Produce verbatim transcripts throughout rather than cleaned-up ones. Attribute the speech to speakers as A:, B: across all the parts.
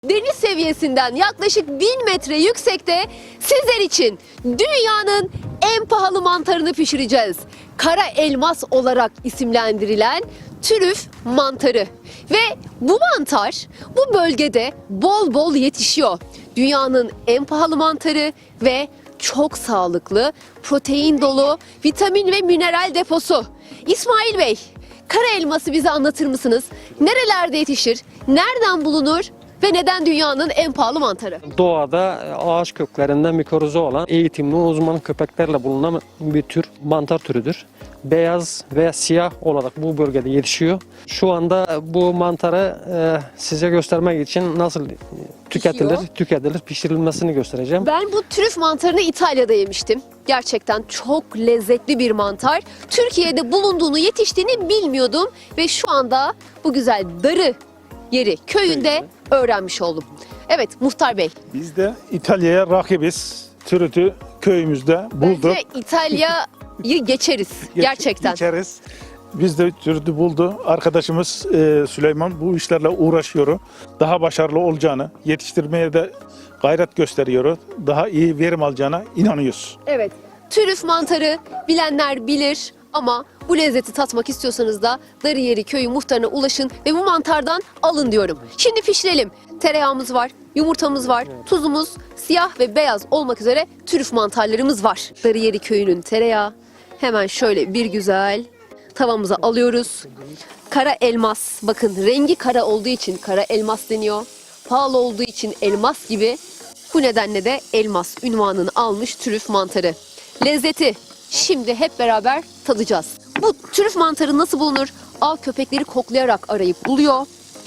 A: Deniz seviyesinden yaklaşık bin metre yüksekte sizler için dünyanın en pahalı mantarını pişireceğiz. Kara elmas olarak isimlendirilen trüf mantarı. Ve bu mantar bu bölgede bol bol yetişiyor. Dünyanın en pahalı mantarı ve çok sağlıklı, protein dolu, vitamin ve mineral deposu. İsmail Bey, kara elması bize anlatır mısınız? Nerelerde yetişir? Nereden bulunur? Ve neden dünyanın en pahalı mantarı?
B: Doğada ağaç köklerinde mikrozu olan eğitimli uzman köpeklerle bulunan bir tür mantar türüdür. Beyaz veya siyah olarak bu bölgede yetişiyor. Şu anda bu mantarı e, size göstermek için nasıl tüketilir,
A: Pişiyor.
B: tüketilir, pişirilmesini göstereceğim.
A: Ben bu trüf mantarını İtalya'da yemiştim. Gerçekten çok lezzetli bir mantar. Türkiye'de bulunduğunu, yetiştiğini bilmiyordum. Ve şu anda bu güzel Darı yeri köyünde öğrenmiş oldum. Evet Muhtar Bey.
C: Biz de İtalya'ya rakibiz. Türütü köyümüzde bulduk.
A: Bence İtalya'yı geçeriz
C: Geç-
A: gerçekten.
C: Geçeriz. Biz de türütü buldu. Arkadaşımız e, Süleyman bu işlerle uğraşıyor. Daha başarılı olacağını, yetiştirmeye de gayret gösteriyor. Daha iyi verim alacağına inanıyoruz.
A: Evet. Trüf mantarı bilenler bilir ama bu lezzeti tatmak istiyorsanız da Darıyeri köyü muhtarına ulaşın ve bu mantardan alın diyorum. Şimdi pişirelim. Tereyağımız var, yumurtamız var, tuzumuz, siyah ve beyaz olmak üzere trüf mantarlarımız var. Darıyeri köyünün tereyağı. Hemen şöyle bir güzel tavamıza alıyoruz. Kara elmas, bakın rengi kara olduğu için kara elmas deniyor. Pahalı olduğu için elmas gibi. Bu nedenle de elmas ünvanını almış trüf mantarı. Lezzeti şimdi hep beraber tadacağız. Bu trüf mantarı nasıl bulunur? Av köpekleri koklayarak arayıp buluyor.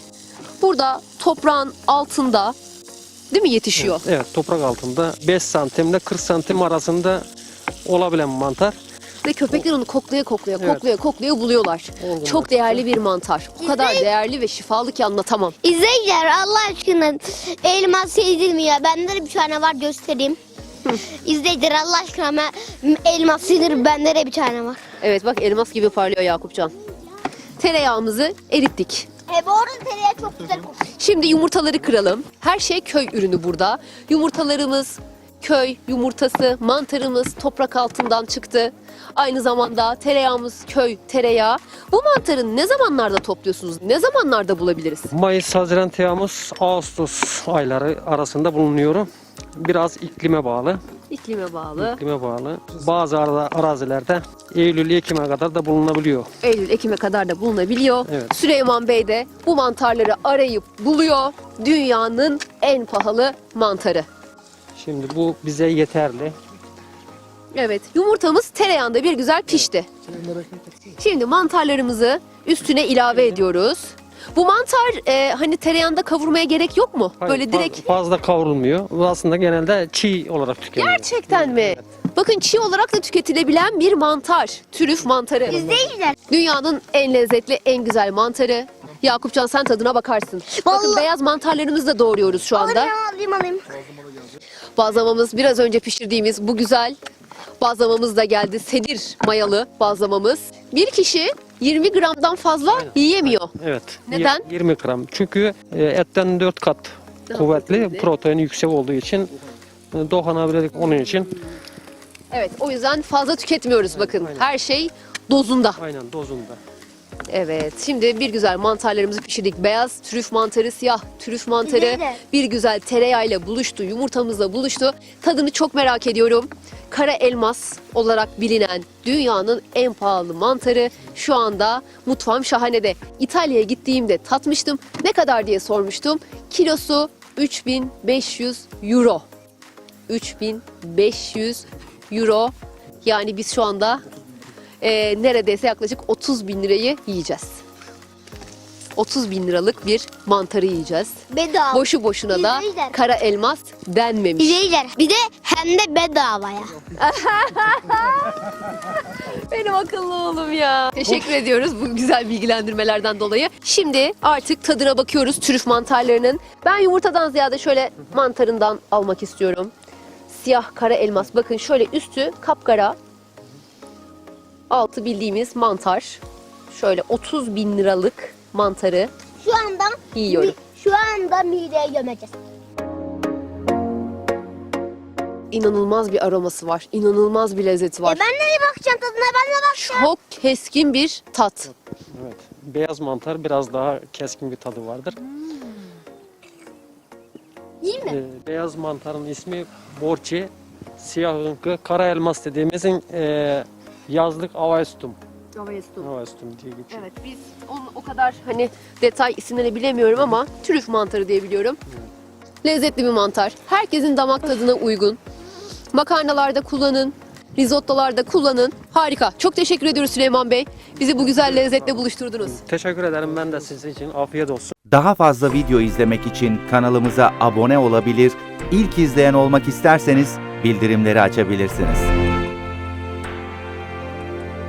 A: Burada toprağın altında değil mi yetişiyor?
B: Evet, evet, toprak altında beş santimle kırk santim arasında olabilen mantar.
A: Ve köpekler onu koklaya koklaya
B: Evet.
A: koklaya koklaya buluyorlar.
B: Olgun
A: Çok
B: vaktiyle.
A: değerli bir mantar. O kadar değerli ve şifalı ki anlatamam.
D: İzleyiciler Allah aşkına elmas yedilmiyor. Bende de bir tane var göstereyim. İzleyiciler Allah aşkına ben- elmas yedir bende de bir tane var.
A: Evet bak elmas gibi parlıyor Yakupcan. Tereyağımızı erittik.
D: E bu arada tereyağı çok güzel kokuyor.
A: Şimdi yumurtaları kıralım. Her şey köy ürünü burada. Yumurtalarımız köy yumurtası, mantarımız toprak altından çıktı. Aynı zamanda tereyağımız köy tereyağı. Bu mantarı ne zamanlarda topluyorsunuz? Ne zamanlarda bulabiliriz?
B: Mayıs, Haziran, Temmuz, Ağustos ayları arasında bulunuyor. Biraz iklime bağlı.
A: İklime bağlı.
B: İklime bağlı. Bazı ara- arazilerde Eylül, Ekim'e kadar da bulunabiliyor.
A: Eylül, Ekim'e kadar da bulunabiliyor.
B: Evet.
A: Süleyman Bey de bu mantarları arayıp buluyor. Dünyanın en pahalı mantarı.
B: Şimdi bu bize yeterli.
A: Evet, yumurtamız tereyağında bir güzel pişti. Şimdi mantarlarımızı üstüne ilave ediyoruz. Bu mantar e, hani tereyağında kavurmaya gerek yok mu?
B: Hayır,
A: Böyle
B: fa-
A: direkt.
B: fazla kavrulmuyor. Bu aslında genelde çiğ olarak tükeniyor.
A: Gerçekten mi? Bakın çiğ olarak da tüketilebilen bir mantar. Trüf mantarı.
D: İzleyiciler
A: Dünyanın en lezzetli, en güzel mantarı. Yakupcan sen tadına bakarsın. Bakın
D: Vallahi-
A: beyaz mantarlarımızı da doğruyoruz şu anda.
D: alayım alayım alayım.
A: Bazlamamız biraz önce pişirdiğimiz bu güzel bazlamamız da geldi. Sedir mayalı bazlamamız. Bir kişi yirmi gramdan fazla yiyemiyor.
B: Evet.
A: Neden?
B: yirmi gram. Çünkü e, etten dört kat
A: Daha
B: kuvvetli,
A: kuvvetli.
B: proteini yüksek olduğu için e, dokunabilirlik onun için.
A: Evet o yüzden fazla tüketmiyoruz bakın. Her şey dozunda.
B: Aynen dozunda.
A: Evet şimdi bir güzel mantarlarımızı pişirdik. Beyaz trüf mantarı, siyah trüf mantarı
D: Güzel de.
A: bir güzel tereyağıyla buluştu, yumurtamızla buluştu. Tadını çok merak ediyorum. Kara elmas olarak bilinen dünyanın en pahalı mantarı şu anda mutfağım şahanede. İtalya'ya gittiğimde tatmıştım. Ne kadar diye sormuştum. Kilosu üç bin beş yüz euro. üç bin beş yüz euro. Yani biz şu anda e, neredeyse yaklaşık otuz bin lirayı yiyeceğiz. otuz bin liralık bir mantarı yiyeceğiz.
D: Bedava.
A: Boşu boşuna da
D: İzleyiciler.
A: kara elmas denmemiş.
D: İzleyiciler bir de hem de bedavaya.
A: Benim akıllı oğlum ya. Teşekkür ediyoruz bu güzel bilgilendirmelerden dolayı. Şimdi artık tadına bakıyoruz trüf mantarlarının. Ben yumurtadan ziyade şöyle mantarından almak istiyorum. Siyah kara elmas. Bakın şöyle üstü kapkara. Altı bildiğimiz mantar. Şöyle otuz bin liralık mantarı
D: Şu anda
A: yiyorum.
D: Şu anda mideye gömeceğiz.
A: İnanılmaz bir aroması var. İnanılmaz bir lezzeti var.
D: E ben nereye bakacağım tadına? Ben de bakacağım.
A: Çok keskin bir tat.
B: Evet. Beyaz mantar biraz daha keskin bir tadı vardır.
D: İyi mi?
B: Ee, beyaz mantarın ismi borçi, siyah hınkı, kara elmas dediğimizin e, yazlık avaestum. Avaestum diye geçiyor.
A: Evet, biz onun o kadar hani detay isimlerini bilemiyorum ama trüf mantarı diye biliyorum. Lezzetli bir mantar. Herkesin damak tadına uygun. Makarnalarda kullanın, risottolarda kullanın. Harika. Çok teşekkür ediyoruz Süleyman Bey. Bizi bu güzel lezzetle buluşturdunuz.
B: Teşekkür ederim ben de sizin için. Afiyet olsun.
E: Daha fazla video izlemek için kanalımıza abone olabilir, ilk izleyen olmak isterseniz bildirimleri açabilirsiniz.